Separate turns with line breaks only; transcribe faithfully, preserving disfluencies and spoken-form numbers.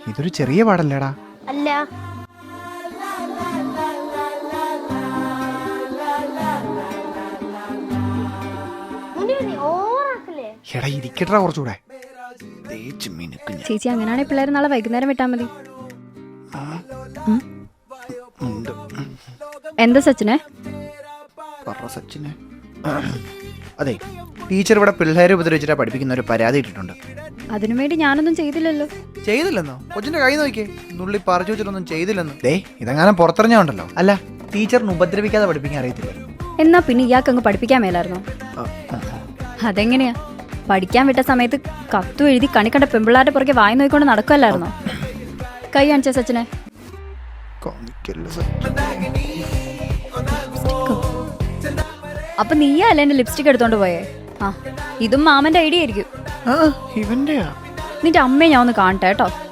ഇതൊരു ചെറിയ പാടല്ലേടാ.
അല്ല.
എടാ ഇരിക്കട്ടാ കുറച്ചുകൂടെ.
ചേച്ചി അങ്ങനെയാണെങ്കിൽ പിള്ളേർ നാളെ വൈകുന്നേരം വിട്ടാൽ മതി. എന്താ സച്ചിനെ?
സച്ചിനെ അതെ, ടീച്ചർ ഇവിടെ പിള്ളേരെ ഉപദ്രവിച്ചിട്ടാ പഠിപ്പിക്കുന്ന ഒരു പരാതി ഇട്ടിട്ടുണ്ട്.
അതിനു വേണ്ടി ഞാനൊന്നും ചെയ്തില്ലല്ലോ.
ചെയ്തില്ലെന്നോ? കൊച്ചിന്റെ കൈ നോക്കിയേ, നുള്ളി പറഞ്ഞു വെച്ചിട്ടൊന്നും ചെയ്തില്ലെന്ന്. ദേ ഇതെങ്ങാനും പുറത്തെറിഞ്ഞാ ഉണ്ടല്ലോ. അല്ല, ടീച്ചറിന് ഉപദ്രവിക്കാതെ പഠിപ്പിക്കാൻ അറിയത്തില്ല.
എന്നാ പിന്നെ ഇയാൾക്ക് അങ്ങ് പഠിപ്പിക്കാൻ മേലായിരുന്നോ? അതെങ്ങനെയാ? പഠിക്കാൻ വിട്ട സമയത്ത് കത്തും എഴുതി കണി കണ്ട പെമ്പിള്ളാരുടെ പുറകെ വായി നോക്കിക്കൊണ്ട് നടക്കുമല്ലായിരുന്നോ? കൈ കാണിച്ച സച്ചിനെ. അപ്പൊ നീയാ അല്ലേ എന്റെ ലിപ്സ്റ്റിക് എടുത്തോണ്ട് പോയേ? ആ, ഇതും മാമന്റെ ഐഡിയ ആയിരിക്കും.
ഇവന്റെയാ?
നിന്റെ അമ്മയെ ഞാൻ ഒന്ന് കാണട്ടെ കേട്ടോ.